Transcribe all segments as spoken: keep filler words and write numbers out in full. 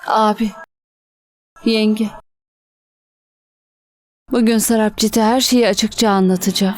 Abi, yenge. Bugün Sarapcit'e her şeyi açıkça anlatacağım.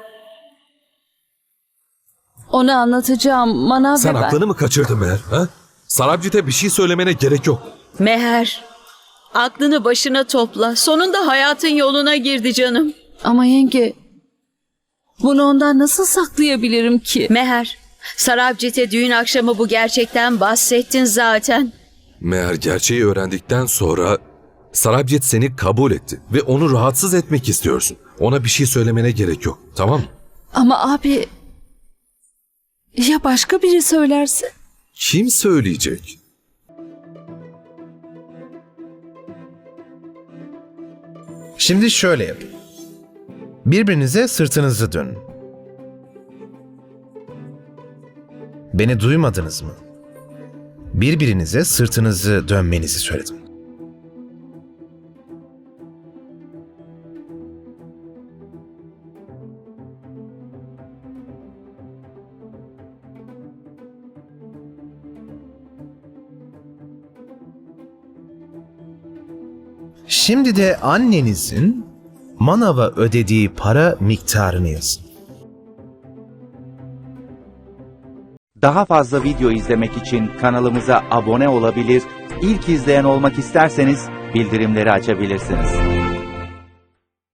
Ona anlatacağım Manav Sen ve ben. aklını mı kaçırdın Meher? Ha? Sarabcit'e bir şey söylemene gerek yok. Meher, aklını başına topla. Sonunda hayatın yoluna girdi canım. Ama yenge, bunu ondan nasıl saklayabilirim ki? Meher, Sarabcit'e düğün akşamı bu gerçekten bahsettin zaten. Meher gerçeği öğrendikten sonra Sarabcit seni kabul etti ve onu rahatsız etmek istiyorsun. Ona bir şey söylemene gerek yok, tamam mı? Ama abi, ya başka biri söylerse? Kim söyleyecek? Şimdi şöyle yapın. Birbirinize sırtınızı dönün. Beni duymadınız mı? Birbirinize sırtınızı dönmenizi söyledim. Şimdi de annenizin manava ödediği para miktarını yazın. Daha fazla video izlemek için kanalımıza abone olabilir, ilk izleyen olmak isterseniz bildirimleri açabilirsiniz.